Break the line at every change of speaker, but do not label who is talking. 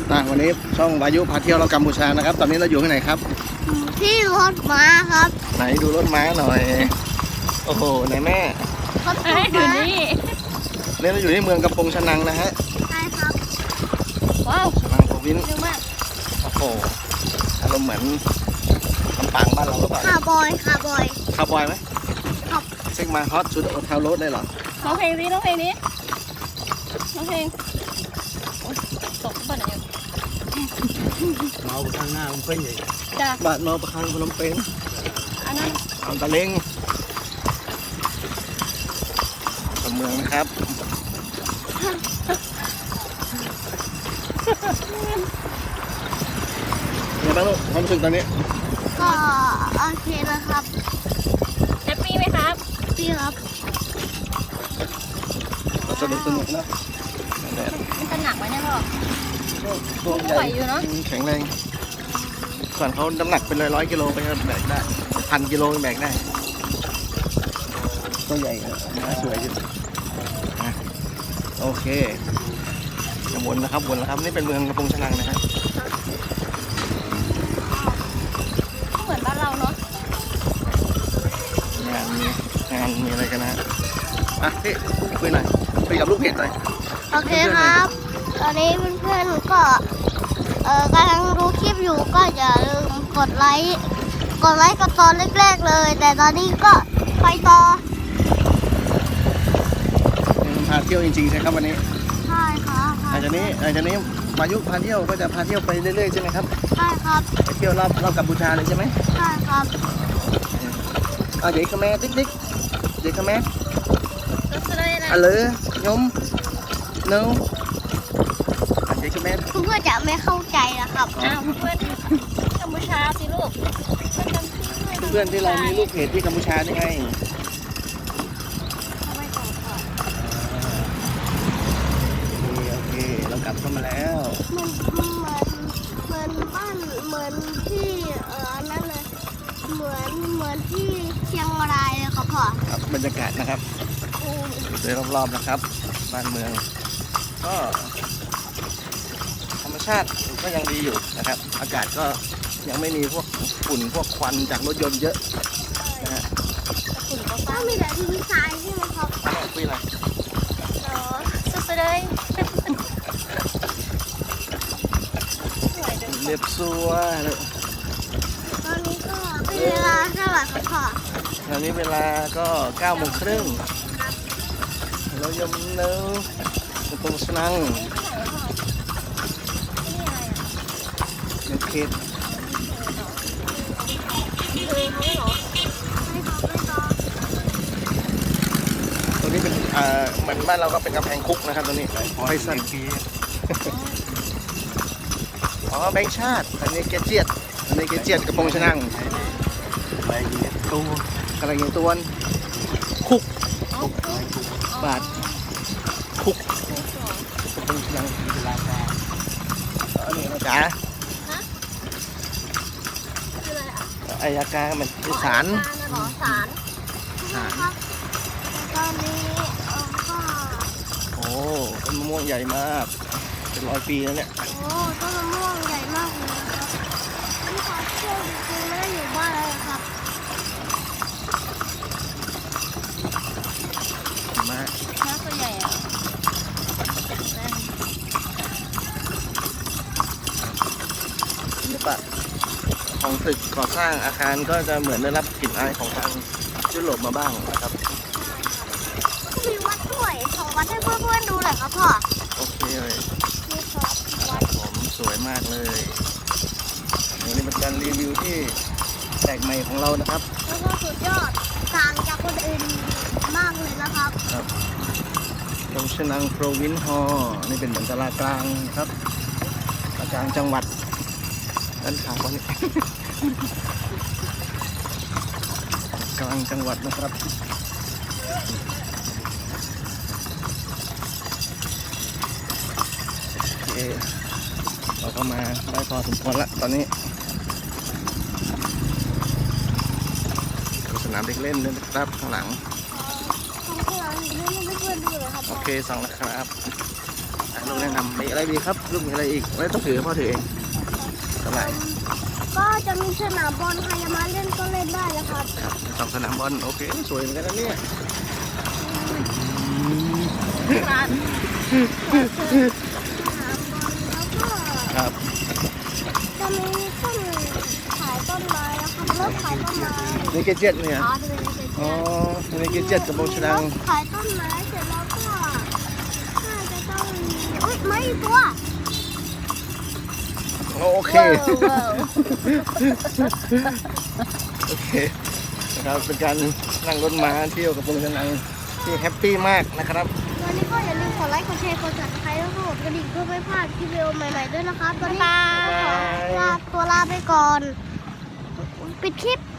วันนี้ช่องวายุพาเที่ยวเรากัมพูชานะครับตอนนี้เราอยู่ที่ไหนครับ
ที่รถม้าครับ
ไหนดูรถม้าหน่อยโอ้โหไหนแม่
รถม้าอยู่
นี่เราอยู่ที่เมืองกำปงชะนังนะฮะ
ใช่ครับ
ว้าวชะนังโปรวินซ์โอ้โหอารมณ์เหมือนลำปางบ้านเราหรือเปล่า
คาร์บอย
ไหม
ครับ
เช็คมาฮอตชุดโอเทลโรดได้หรอ
ร้องเพลงนี้ร้องเพลงตกบ้านไหน
เมาข้างหน้ามันเป็นอย่าง
จ้า
บาดเมาประคังพนมเปญ
อันนั้น
อันตะเล้งเมืองนะครับยังไงบ้างลูกความรู้สึกตอนนี้
ก็โอเคนะครับ
แฮปปี้ไหมครับ
พี่ครับ
สนุกนะ
มันจะหนักไหมเนี่ยพ่อ
ตัวใหญ่อยู่เนาะแข็งแรงส่วนเขาน้ำหนักเป็นร้อยกิโลไปแบกได้1,000 กิโลแบกได้ตัวใหญ่สวยจริงโอเควนนะครับนี่เป็นเมืองกำปงชะนังนะครับ
เหมือนบ้านเราเนาะ
งานมีอะไรกันนะอ่ะพี่คุยหน่อยคุยกับลูกเพจหน่อย
โอเคครับตอนนี้เพื่อนๆก็กำลังดูคลิปอยู่ก็อย่าลืมกดไลค์กับตอนแรกๆเลยแต่ตอนนี้ก็ไปต่อ
พาเที่ยวจริงๆใช่ครับวันนี้
ใช่ครับ
หลังจากนี้วายุพาเที่ยวก็จะพาเที่ยวไปเรื่อยๆใช่ไหมครับ
ใช่ครับ
ไปเที่ยวรอบกัมพูชาเลยใช่ไหม
ใช่ครับ
เด็กขแม่ติ๊กเด็กขแม่
อะ
ไรยมเนาเด็กขแม่
เพื่อนจะไม่เข้าใจนะครับ
อ้าวเพื่อนกัมพูชาสิลูก
เพื่อนที่เรามีลูกเพจที่กัมพูชาได้ไงโอเคเรากลับเข้ามาแล้ว
เหมือนบ้านเหมือนที่นั่นเลยเหมือนที่เชียงรายเลยครับพ่อ
ครับบรรยากาศนะครับโดยรอบๆนะครับบ้านเมืองก็ธรรมชาติก็ยังดีอยู่นะครับอากาศก็ยังไม่มีพวกฝุ่นพวกควันจากรถยนต์เยอะนะฮะ
ก็มีแต่ที่ทรายใช่ไหมครับ
คุยอะไร
สุดเลย
เรียบซัวเลย
ตอนนี้ก็เป็นเวลาเท่าไหร่ครับพ่อ
ตอนนี้เวลาก็9 โมงครึ่งเรายมเนื้อตรงสนังเด็กเขตตรงนี้เป็นเหมือนบ้านเราก็เป็นกำแพงคุกนะครับตรงนี้ไฟสั้นอ๋อแบงค์ชาติอันนี้เกจียดกระโปรงชะนัง
อะไรอย่างเงี้ยตัว
อะไรอย่างตัวคุกบาทคุกกระโปรงชะนัง
เวลาได้
อันนี้นะจ๊ะอายการมันศาล
ตอนนี้ก็
โอ้ต้นมะม่วงใหญ่มากเป็น100 ปีแล้วเนี่ย
โอ้ต้นมะม่วงใหญ่มากเลยครับนี่ขอเที่ยวจริงๆไม่ได้อยู่บ้านเลยครับ
มา
น้าตัวใหญ่อะ
ศิลปะของตึกก่อสร้างอาคารก็จะเหมือนได้รับกลิ่นอายของทางยุโรปมาบ้างนะครับ
มีวัดด้วยของวัดให้เพื่อนๆดูหน่อยครับพ่อ
โอเคเลย
นี่ครับวัด
ผมสวยมากเลยนี่เป็นการรีวิวที่แปลกใหม่ของเรานะครับ
แล้วก็สุดยอดต่างจากคนอื่นมากเลยนะครับ
ครับตรงชะนังโปรวินซ์ฮอลล์นี่เป็นเหมือนตลาดกลางครับตลาดกลางจังหวัดด้านขาวนี่กลางจังหวัดนะครับโอเคเราก็มาได้พอสมควรละตอนนี้สนามเด็กเล่นด้วยนะครับข้างหลังโอเคสั่งแล้วครับถ่ายรูปเล่นนำมีอะไรดีครับลูกมีอะไรอีกไม่ต้องถือพ่อถือเองอะไร
ก็จะมีสนามบอลใครจะมาเล่นก็เล่นได้นะครับ
ครับสองสนามบอลโอเคสวยเหมือนกันนะเนี่ย
ร้าน
สนามบอลแล้วก็
ครับ
จะมีต้นขายต้นไม้นะครับรถขายต้นไม้
นี่เกจ็ตเนี่ย
อ๋อจะเป็นเศษ
อ๋อนี่เกจ็ตกับโบชดัง
ขายต้นไม้เสร็จแล้วก็น่าจะต้องมีอุ้ยไม่ตัว
โอเค
ว้าว
โอเคนะครับเป็นการนั่งรถม้าเที่ยวกับโบชดังที่แฮปปี้มากนะครับ
วันนี้ก็อย่าลืมกดไลค์กดแชร์กดติดตามแล้วก็กดกระดิ่งเพื่อไม่พลาดคลิปวิดีโอใหม่ๆด้วยนะครับตอนนี้ขอลาไปก่อนปิดคลิป